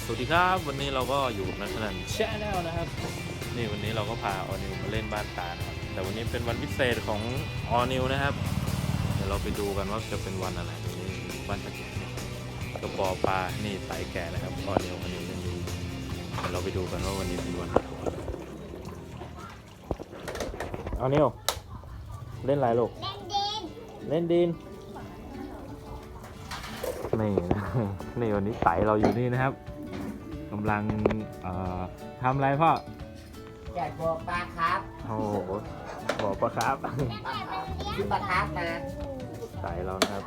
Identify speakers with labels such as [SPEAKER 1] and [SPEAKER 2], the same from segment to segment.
[SPEAKER 1] สวัสดีครับวันนี้เราก็อยู่กับนักสนันแชนแนลนะครับนี่วันนี้เราก็พาออนิวมาเล่นบ้านตานะครับแต่วันนี้เป็นวันพิเศษของออนิวนะครับเดี๋ยวเราไปดูกันว่าจะเป็นวันอะไรนี่บ้านตะเกียบกระปอปลานี่ไตแก่นะครับออนิวเล่นดีเดี๋ยวเราไปดูกันว่าวันนี้เป็นวันอะไรออนิวเล่นอะไรลูกเล่นดินนี่นะนี่วันนี้ไตเราอยู่นี่นะครับกำลังทำอะไรพ่อ
[SPEAKER 2] อยากบอกปลาครับ
[SPEAKER 1] โอ้โหบอกปลาครับ
[SPEAKER 2] ซื้อปลาครับมา
[SPEAKER 1] ไตเรานะครับ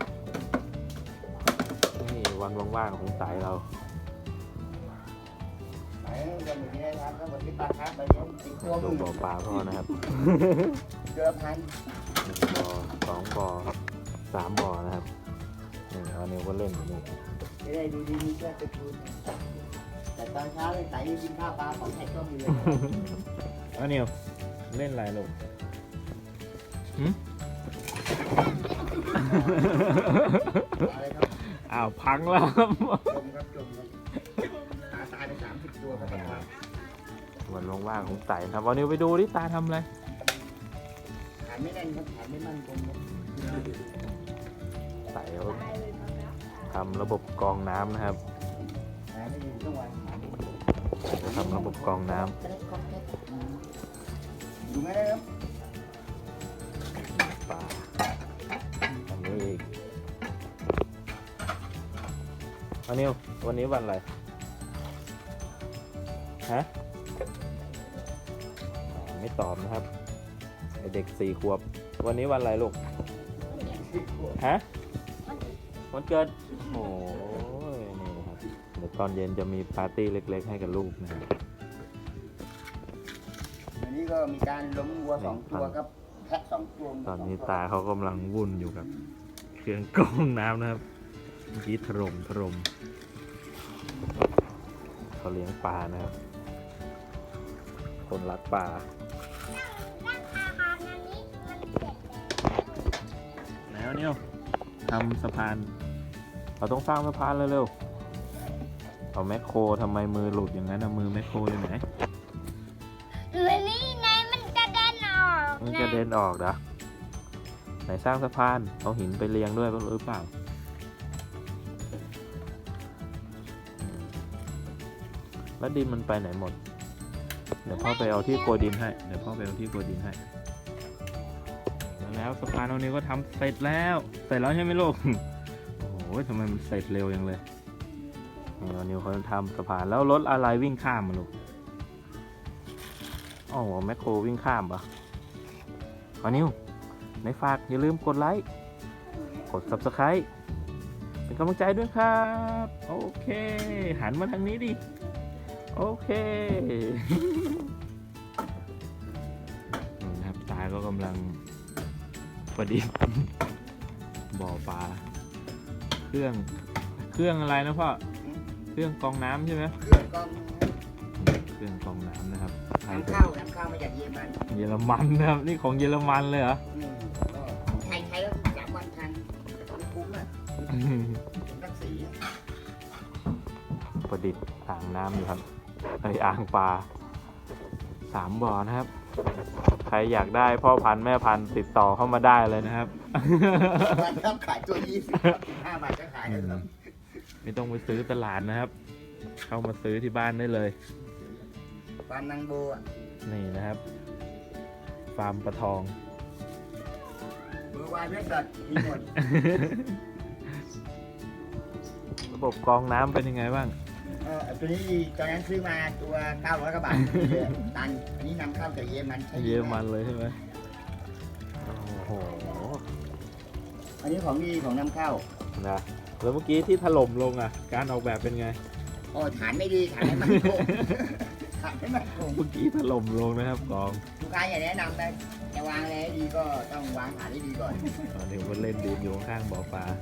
[SPEAKER 1] นี่วันว่างๆของไตเรา
[SPEAKER 2] ไตวันนี้นะครับก็วันนี้ปลาครับไปเลี้ยงติดตัวมึง
[SPEAKER 1] บ่อปลาพ่อนะครับ
[SPEAKER 2] เดือนพัน
[SPEAKER 1] บ่อ2 บ่อครับ3 บ่อนะครับนี่เอาเนวก็เล่นอยู่นี่
[SPEAKER 2] จะได้ดูดีมีเพื่อนจะพูดแต่ตอนเช้าเลยไตกินข้าวปลาของไข่ต้มอยู่เลย
[SPEAKER 1] เอาเนวเล่นอะไรลูก
[SPEAKER 2] อะไรครับ
[SPEAKER 1] อ้าวพังแล้วครับ
[SPEAKER 2] จมครับตายไป30 ตัวครับ
[SPEAKER 1] วันว่างๆของไตครับเอาเนวไปดูดิตาทำอะไร
[SPEAKER 2] ฐานไม่แน่นครับฐานไม่มั่นคงครับ
[SPEAKER 1] ไตทำระบบกรองน้ำนะครับจะทำระบบกรองน้ำ
[SPEAKER 2] ดูไหมครับ
[SPEAKER 1] ปลาอันนี้อีกวันนี้วันอะไรฮะไม่ตอบนะครับเด็ก4 ขวบวันนี้วันอะไรลูกฮะวันเกิดโอ้ยนี่นะครับเดี๋ยวตอนเย็นจะมีปาร์ตี้เล็กๆให้กับลูกนะครับ
[SPEAKER 2] วันนี้ก็มีการล้มวัว2 ตัวครับแพะ2 ตัว
[SPEAKER 1] ตอนนี้ตาเขากำลังวุ่นอยู่กับเครื่องกรองน้ำนะครับเมื่อกี้ถล่มเขาเลี้ยงปลานะครับคนรักปลาแล้วเนี่ยทำสะพานเราต้องสร้างสะพานเร็วๆเอาแมคโครทำไมมือหลุดอย่างนั้นนะมือแมคโครอยู่ไหน
[SPEAKER 3] นี่ไงมันกระเด็นออก
[SPEAKER 1] มันกระเด็นออกเหรอไหนสร้างสะพานเอาหินไปเรียงด้วยหรือเปล่าแล้วดินมันไปไหนหมดเดี๋ยวพ่อไปเอาที่โกดินให้แล้วสะพานตรงนี้ก็ทำเสร็จแล้วใช่ไหมลูกโอ้โหทำไมมันเสร็จเร็วอย่างเลยนิวเขาทำสะพานแล้วรถอะไรวิ่งข้ามมาลูกอ๋อแมคโครวิ่งข้ามปะนิวในฝากอย่าลืมกดไลค์กด Subscribe เป็นกำลังใจด้วยครับโอเคหันมาทางนี้ดิโอเคนะครับตาก็กำลังประดิษฐ์บ่อปลาเครื่องอะไรนะพ่อเครื่องกรองน้ำใช่ไหม
[SPEAKER 2] เครื่องกร
[SPEAKER 1] องน้ำนะครับ
[SPEAKER 2] น้ำเข้ามาจากเยอรมัน
[SPEAKER 1] นะครับนี่ของเยอรมันเลยเหรอ
[SPEAKER 2] ไทยแล้ว3 วันทันคุ้มอ่ะรักสี
[SPEAKER 1] ประดิษฐ์อ่างน้ำอยู่ครับอ่างปลา3 บ่อนะครับใครอยากได้พ่อพันธุ์แม่พันธุ์ติดต่อเข้ามาได้เลยนะครับ
[SPEAKER 2] ขายตัว25 บาทก็ขายครับ
[SPEAKER 1] ไม่ต้องไปซื้อตลาดนะครับเข้ามาซื้อที่บ้านได้เลย
[SPEAKER 2] ฟาร์มนางโบ
[SPEAKER 1] นี่นะครับฟาร์มปลาทอง
[SPEAKER 2] เบอร์วายเว็บดอทมีหมด
[SPEAKER 1] ระบบกรองน้ำเป็นยังไงบ้าง
[SPEAKER 2] ตัวนี้ตอนนั้นซื้อมาตัว900 กว่าบาทตันอันนี้นำเข้าจากเยอรมัน
[SPEAKER 1] เลยใช่ไหมโอ้โห
[SPEAKER 2] อันนี้ของดีของนำเข้า
[SPEAKER 1] นะแล้วเมื่อกี้ที่ถล่มลงอ่ะการออกแบบเป็นไง
[SPEAKER 2] ฐานไม่ดีฐานไม่มั่นคง
[SPEAKER 1] เมื่อกี้ถล่มลงนะครับกอง
[SPEAKER 2] ลูกค้าอย่าแนะนำนะจะวางอะไรให้ดีก็ต้องวางฐานให้ดีก่อน
[SPEAKER 1] เดี๋ยวมาเล่นดินอยู่ข้างบ่อปลา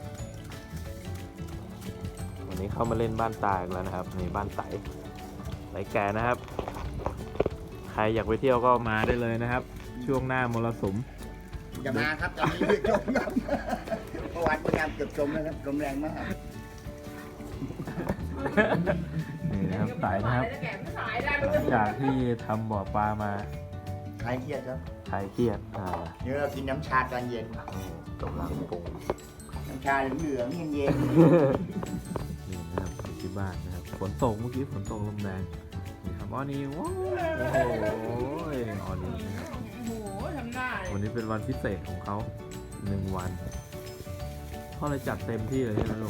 [SPEAKER 1] วันนี้เข้ามาเล่นบ้านตาอีกแล้วนะครับนี่บ้านไต่แก่นะครับใครอยากไปเที่ยวก็มาได้เลยนะครับช่วงหน้ามรสุม
[SPEAKER 2] จะมาครับตอนนี้จมครับเมื่อวานพยายามเกือบจมนะครับลมแรงมาก
[SPEAKER 1] นี่นะครับสายนะครับหลังจากที่ทำบ่อปลามา
[SPEAKER 2] คลายเครียดครับ
[SPEAKER 1] คลายเครียด
[SPEAKER 2] เดี๋ยวเรากินน้ำชาตอนเย็น
[SPEAKER 1] กำลังปรุง
[SPEAKER 2] น้ำชาเหลืองๆเย็น
[SPEAKER 1] นี่นะครับอยู่ที่บ้านนะครับฝนตกเมื่อกี้ฝนตกลมแรงนี่ครับออนิวว้าวโอ้โหออนิวนะครับ
[SPEAKER 4] โอ้โหทำได้
[SPEAKER 1] วันนี้เป็นวันพิเศษของเขา1 วันเขาเลยจัดเต็มที่เลยใช่ไหมลูก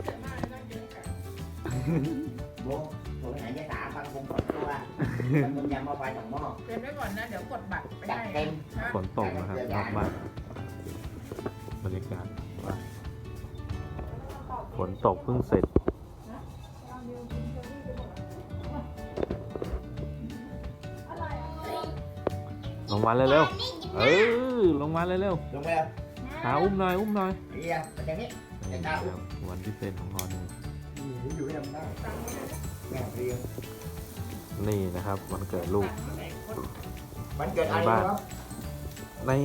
[SPEAKER 2] ๆโบโบหายใจสาฟังคงสองตัวมันมึงยำมาไฟ2 หม้อ
[SPEAKER 4] เต็มไว้ก่อนนะ เดี๋ยวกดบัตรไป
[SPEAKER 2] จัด
[SPEAKER 4] ให้
[SPEAKER 2] เต็ม
[SPEAKER 1] ฝนตกนะครับนอกบ้านบรรยากาศบ้านฝนตกเพิ่งเสร็จลงมาเร็วๆลงมาเร็ว
[SPEAKER 2] ลงไปแล้ว
[SPEAKER 1] ๆขาอุ้มหน่อยอุ้มหน่อย
[SPEAKER 2] เรียมันอย่างนี้
[SPEAKER 1] นี่นะครับวันพิเศษของออนิว
[SPEAKER 2] อยู่ยังได้แม่เรียง
[SPEAKER 1] นี่นะครับวันเกิดลูก
[SPEAKER 2] มันเกิดอะไรวะ
[SPEAKER 1] นี่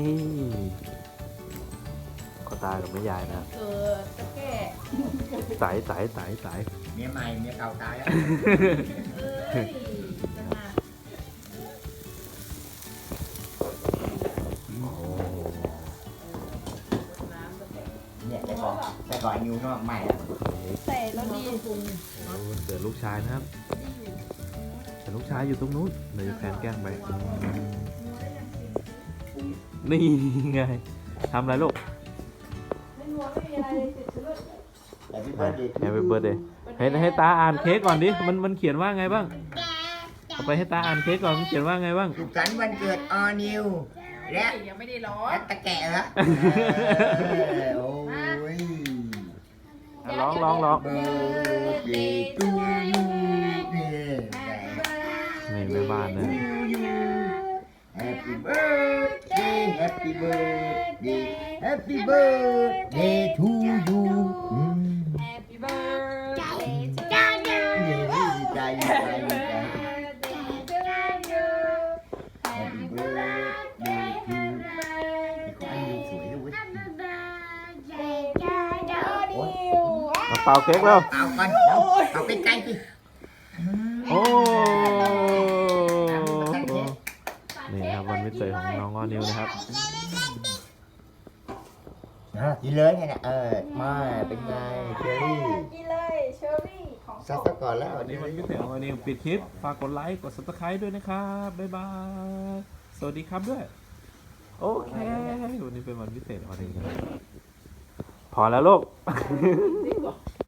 [SPEAKER 1] ก็ตากับแม่ยายนะครับ
[SPEAKER 4] เกิดตะแก่
[SPEAKER 1] สาย
[SPEAKER 2] เมียใหม่เมียเก่าตายแล้ว
[SPEAKER 4] เอ้ยจะมา
[SPEAKER 1] โอ้
[SPEAKER 4] น้ำตะแก่
[SPEAKER 2] เนี่ยแต่ก่อนนิวนอกใหม่แล้ว
[SPEAKER 4] ใส่แล้วดีปรุง
[SPEAKER 1] วันเกิดลูกชายนะครับแต่ลูกชายอยู่ตรงนู้นเดี๋ยวจะแพนแกล้งไปนี่ไงทำอะไรลูก
[SPEAKER 4] ไม่นัวไม่มีอะไรติดเชื้อ
[SPEAKER 2] แต่พี่เบิร์ดดี
[SPEAKER 1] Happy birthday ให้ตาอ่านเค้กก่อนดิมันเขียนว่าไงบ้างเอาไปให้ตาอ่านเค้กก่อนมันเขียนว่าไงบ้าง
[SPEAKER 2] สุขสันต์วันเกิดออนิวและ
[SPEAKER 4] ยังไม่ได้ร้อ
[SPEAKER 2] และ
[SPEAKER 4] น
[SPEAKER 2] ตะแกะเหรอโอ้ย
[SPEAKER 1] ร้อง
[SPEAKER 2] เบิร์ดเดย์ทูยูนี่
[SPEAKER 1] นี่แม่บ้านเลย
[SPEAKER 2] Happy birthday Happy birthday Happy birthday to you
[SPEAKER 4] Happy birthday to
[SPEAKER 2] ดีใจดีใจดีใจ
[SPEAKER 4] Happy
[SPEAKER 2] birthday to you ไอ้คนนี้สวยด้วย
[SPEAKER 1] มาเป่าเค้กแล้ว
[SPEAKER 2] เอาก่อนเอาไปไกลสิ
[SPEAKER 1] โอ้นี่ครับวันพิเศษของน้องออนิวนะครับ
[SPEAKER 2] กินเลยไงเนี่ยมาเป็นไงเชอรี่
[SPEAKER 4] กินเลยเชอร์รี่ของ
[SPEAKER 2] ซักซะก่อนแล้ว
[SPEAKER 1] วันนี้วันพิเศษของออนิวปิดคลิปฝากกดไลค์กด subscribe ด้วยนะครับบ๊ายบายสวัสดีครับด้วยโอเควันนี้เป็นวันพิเศษของออนิวนะครับพอแล้วลูก
[SPEAKER 4] จริงเหรอ